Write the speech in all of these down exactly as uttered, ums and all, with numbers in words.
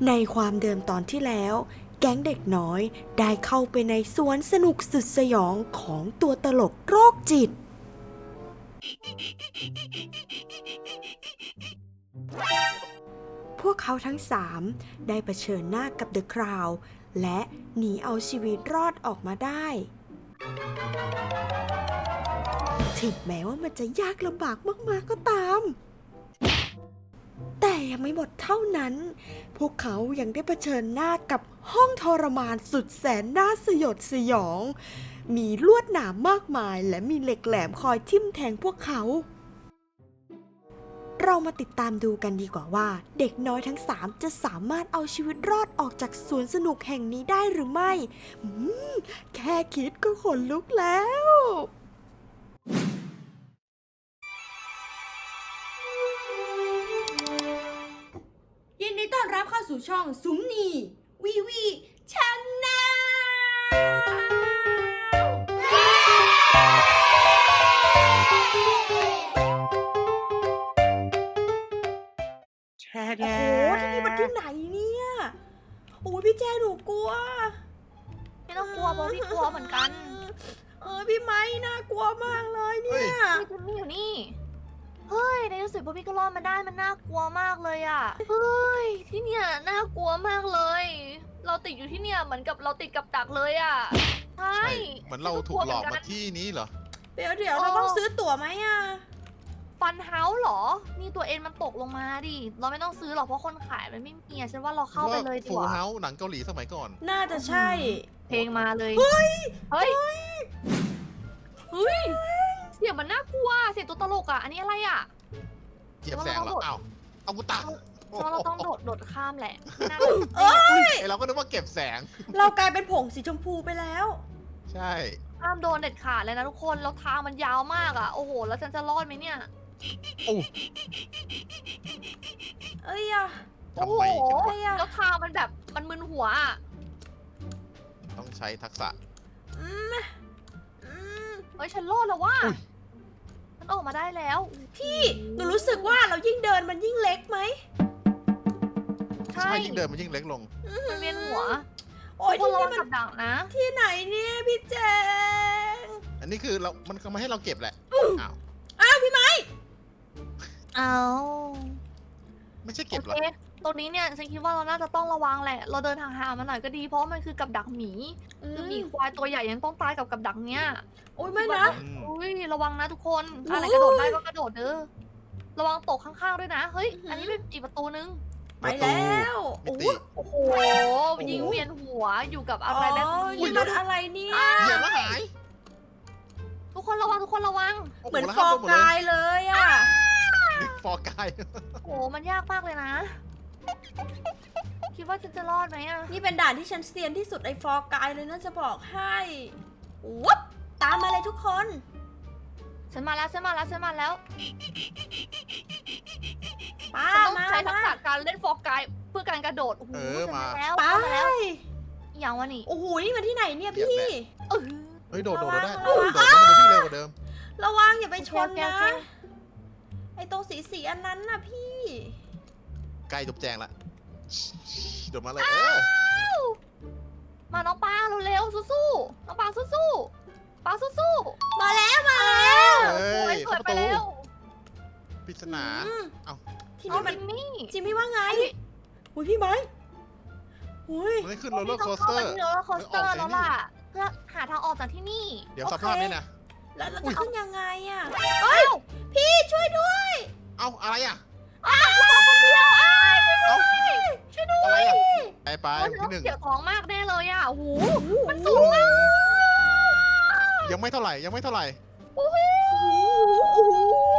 ในความเดิมตอนที่แล้วแก๊งเด็กน้อยได้เข้าไปในสวนสนุกสุดสยองของตัวตลกโรคจิตพวกเขาทั้งสามได้เผชิญหน้ากับเดอะคราวด์และหนีเอาชีวิตรอดออกมาได้ถึงแม้ว่ามันจะยากลำบากมากๆก็ตามแต่ยังไม่หมดเท่านั้นพวกเขายังได้เผชิญหน้ากับห้องทรมานสุดแสนน่าสยดสยองมีลวดหนามมากมายและมีเหล็กแหลมคอยทิ่มแทงพวกเขาเรามาติดตามดูกันดีกว่าว่าเด็กน้อยทั้งสามจะสามารถเอาชีวิตรอดออกจากสวนสนุกแห่งนี้ได้หรือไม่อืมแค่คิดก็ขนลุกแล้วยินดีต้อนรับเข้าสู่ช่องซุ้มนีวีวีชาแนล โอ้โหที่นี่มันที่ไหนเนี่ยโอ้ยพี่แจหนูกลัวไม่ต้องกลัวเพราะพี่กลัวเหมือนกันเออพี่ไม้น่ากลัวมากเลยเนี่ยพี่คุณมี่อยู่นี่ เฮ้ยในที่สุดพวกพี่ก็รอดมาได้มันน่ากลัวมากเลยอ่ะ เฮ้ยที่เนี่ยน่ากลัวมากเลย เราติดอยู่ที่เนี่ยเหมือนกับเราติดกับดักเลยอ่ะ ใช่เหมือนเราถูกหลอกมาที่นี้เหรอเดี๋ยวเดี๋ยวเราต้องซื้อตั๋วไหมอ่ะฟันเฮาส์เหรอ นี่ตัวเอ็นมันตกลงมาดิ เราไม่ต้องซื้อหรอกเพราะคนขายมันไม่มีอะฉันว่าเราเข้าไปเลยดีฟูกว่าเฮาหนังเกาหลีสมัยก่อนน่าจะใช่เพลงมาเลย เฮ้ย เฮ้ย เฮ้ย เสียงมันน่ากลัว เสียงตัวตลกอ่ะ อันนี้อะไรอ่ะเหยียบแสงเหรอ อ้าว เอากูตักเพราะเราต้องโดดโดดข้ามแหละไม่น่าเอ้ยไอเราก็นึกว่าเก็บแสงเรากลายเป็นผงสีชมพูไปแล้วใช่ห้ามโดนเด็ดขาดเลยนะทุกคนแล้วทางมันยาวมากอ่ะ โอ้โห แล้วฉันจะรอดไหมเนี่ยโอ้เอ้ยอะโอ้โหทำไมกันวะแล้วทางมันแบบมันมึนหัวอ่ะต้องใช้ทักษะอืมอืมเฮ้ยฉันรอดแล้วว่าอุ๊ยฉันออกมาได้แล้วพี่หนูรู้สึกว่าเรายิ่งเดินมันยิ่งเล็กไหมใช่ใช่ยิ่งเดินมันยิ่งเล็กลงมันเวียนหัวโอ้ยทุกคนที่ระนี่วังมันกับดักนะที่ไหนเนี่ยพี่แจงอันนี้คือเรา มันก็มาให้เราเก็บแหละ อ้าวอ้าวพี่ไม้เอาไม่ใช่โอเก็บหรอเคตรงนี้เนี่ยฉันคิดว่าเราน่าจะต้องระวังแหละ เราเดินห่างๆมาหน่อยก็ดีเพราะว่ามันคือกับดักหมี คือหมีควายตัวใหญ่ยังต้องตายกับกับดักเนี้ยโอ้ยไม่นะอืมอุ้ยระวังนะทุกคนโอ้ยอะไรกระโดดได้ก็กระโดดเด้อระวังตกข้างๆด้วยนะ เฮ้ยอื้อหืออัอันนี้เป็นอีกประตูนึงไปแล้วมิโอ้ติยโอ้โหยิงเวียนหัวอยู่กับอะไรแบบอ๋อนี้นี่มันอะไรเนี่ยเหยียบแล้วหายทุกคนระวังทุกคนระวังโโเหมือนแล้วฟห้าอโดนหมดกายเลยอ่ะฟอร์กายโอ้มันยากมากเลยนะ คิดว่าฉันจะรอดไหมอะนี่เป็นด่านที่ฉันเซียนที่สุดไอ้ฟอร์กายเลยนะจะบอกให้วุบตามมาเลยทุกคนฉันมาแล้วฉันมาแล้วฉันมาแล้วป้าฉันต้องมาใช้ทักมาษะการเล่นฟอร์กายเพื่อการกระโดดโอ้โหเออฉันมามาแล้วไปเข้ามาแล้วอย่างวะนี่โอ้โหนี่มันที่ไหนเนี่ยเหยียบพี่แหละเออเฮ้ย โดดโดดได้ระโดวัดงโดดแล้วมันจะวิ่งเร็วกว่าเดิมระวังอย่าไปชนโอเคนะโอเคไอ้ตรงสีสีๆอันนั้นน่ะพี่ใกล้จบแจงละโดดมาเลย เออมาน้องปางเร็วๆสู้ๆน้องปางสู้ๆปางสู้มาแล้วมาแล้วๆเฮ้โอ้ยยสวยเข้าไปประตูแล้วปริศนาอืมเอ้าที่เอานี่มันจิมมี่จิมมี่ว่าไงอุ้ยพี่ไม้อุ้ยมันขึ้นโรลเลอร์โคสต้เตองอร์เข้าไปที่โรลเลอร์โคสเตอร์ไม่อแล้อกวไอ้นี่ล่ะเพื่อหาทางออกจากที่นี่เดี๋ยวโอสเคภาพนี้นะแล้วเราอุ๊จะยขึ้นยังไงอ่ะเอ้าพี่ช่วยด้วยเอ้า อะไรอ่ะอ้าวคนเดียวอ้ายช่วยเอ้าด้วยช่วยด้วอะไรยอ่ะ ไปไปโอ้ยที่หนึ่งเสียวท้องมากแน่เลยอ่ะโอ้โหมันสูงมากยังไม่เท่าไหร่ ยังไม่เท่าไหร่โอ้โหโอ้โห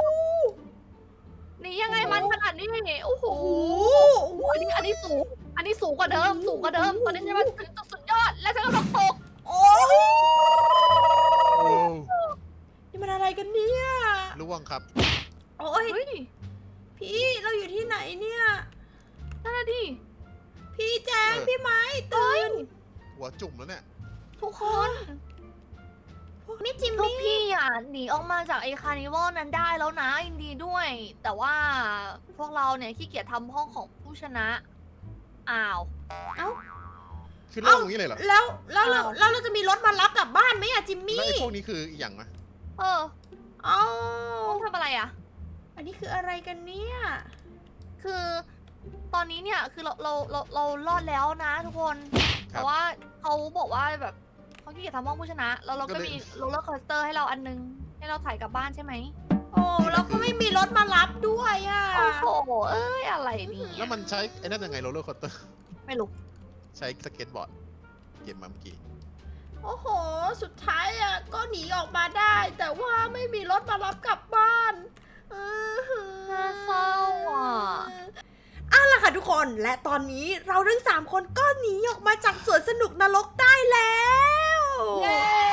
หนี่ยังไงมันขนาดนี้โอ้โหโอ้โหอันนี้อันนี้สูง อันนี้สูงกว่าเดิม สูงกว่าเดิม ตอนนี้จะมาถึงจุดสุดยอด และฉันกำลังตกโอ้ยโอ้นี่มันอะไรกันเนี่ยล่วงครับโอ้ยเฮ้ยพี่เราอยู่ที่ไหนเนี่ยนั่นน่ะดิพี่แจงเออพี่ไม้ตื่นหัวจุ่มแล้วเนี่ยทุกคนนี่จิมพวกมี่พี่อ่ะหนีออกมาจากไอ้คาร์นิวัลนั้นได้แล้วนะยินดีด้วย แต่ว่าพวกเราเนี่ยขี้เกียจทำห้องของผู้ชนะอ้าวคือเรื่องอย่างนี้เลยเหรอแล้วแล้วเราอ้าวแล้วเราจะมีรถมารับกลับบ้านไหมอะจิมแล้วมี่ไอ้พวกนี้คืออีกอย่างนะเออเอ้าต้องทำอะไรอ่ะอันนี้คืออะไรกันเนี่ยคือตอนนี้เนี่ยคือเราเราเราเรารอดแล้วนะทุกคนครัแต่บว่าเขาบอกว่าแบบเขาขี้เกียจทำห้องผู้ชนะ แล้วเราก็ก็เลยมีโรลเลอร์คอสเตอร์ให้เราอันนึง ให้เราถ่ายกลับบ้านใช่ไหมโอ้เราก็ไม่มีรถมารับด้วยอะโอ้โห เอ้ย อะไรเนี่แล้วยมันใช้ไอ้นั่นยังไงโรลเลอร์คอสเตอร์ไม่รู้ใช้สเก็ตบอร์ดเก็บมาเมื่อกี้โอ้โห สุดท้ายอะก็หนีออกมาได้ แต่ว่าไม่มีรถมารับกลับบ้านเออน่าเศร้าอ่ะเอาล่ะค่ะทุกคน และตอนนี้เราทั้งสามคนก็หนีออกมาจากสวนสนุกนรกได้แล้วเย้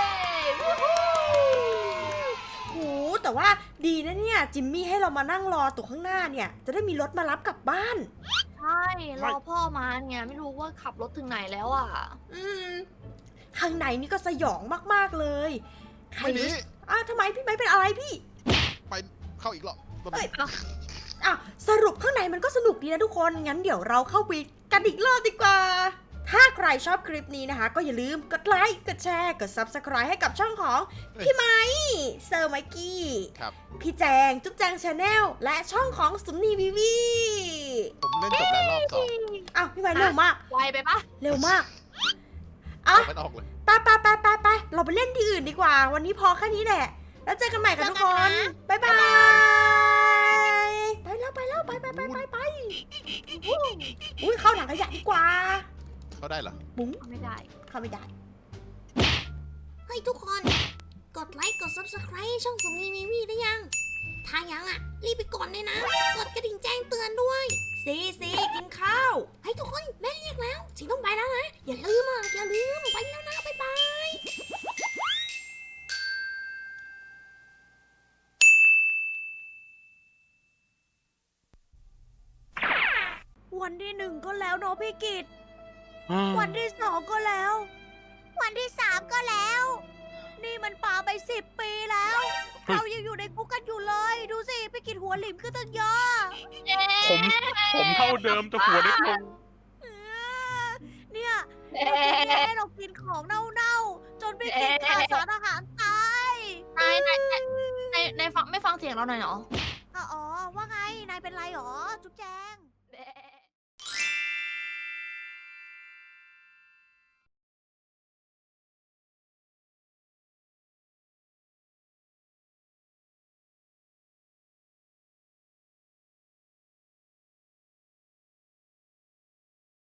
โหแต่ว่าดีนะเนี่ย จิมมี่ให้เรามานั่งรอตัวข้างหน้าเนี่ย จะได้มีรถมารับกลับบ้านใช่ รอพ่อมาเนี่ยไม่รู้ว่าขับรถถึงไหนแล้วอ่ะอืม ข้างในนี่ก็สยองมากๆเลยใครไม่หนีรู้อ้าวทำไมพี่ไม่เป็นอะไรพี่ไปเข้าอีกรอบรอบเอ้ยนี้อ่ะสรุปข้างในมันก็สนุกดีนะทุกคน งั้นเดี๋ยวเราเข้าไปกันอีกรอบดีกว่า ถ้าใครชอบคลิปนี้นะคะ ก็อย่าลืมกดไลค์ กดแชร์ กด Subscribe ให้กับช่องของพี่ไม้เซอร์ไมกี้ครับพี่แจง จุ๊บแจงชาแนล และช่องของสุมนีวีวีผมเล่นจบแล้วรอบสองอ้าวพี่ไม้เร็วมากไวไปปะเร็วมาก อ่ะมันออกเลยไปไปไปไปไปเราไปเล่นที่อื่นดีกว่า วันนี้พอแค่นี้แหละ แล้วเจอกันใหม่ค่ะทุกคน บ๊ายบาย ไปแล้วไปแล้วไปไปไปไปไปอุ้ยเข้าถังขยะดีกว่าเขาได้เหรอบุ้งไม่ได้เข้าไม่ได้เฮ้ยทุกคน กดไลค์ กด Subscribe ให้ช่องสมนีมีวีได้ยัง ถ้ายังอ่ะ รีบไปกดเลยนะ กดกระดิ่งแจ้งเตือนด้วยซีซีกินข้าวเฮ้ยทุกคน แม่เรียกแล้วสิต้องไปแล้วนะ อย่าลืมอ่ะ อย่าลืม ไปแล้วนะ บ๊ายบายวันที่หนึ่งก็แล้วเนาะพี่กิตวันที่สองก็แล้ว วันที่สามก็แล้ว นี่มันป่าไปสิบปีแล้ว เรายังอยู่ในคุกกันอยู่เลย ดูสิพี่กิตหัวหลิมขึ้นตั้งเยอะผม ผมเท่าเดิมแต่หัวเล็กลงเออเนี่ยเอ๊เดี๋ยวพี่ะให้เรากินของเน่าๆ จนพี่กินขาดสารอาหารตายนายนายนายนายนายฟังไม่ฟังเสียงเราหน่อยเหรออ๋อ ว่าไง นายเป็นไรหรอ จุ๊บแจง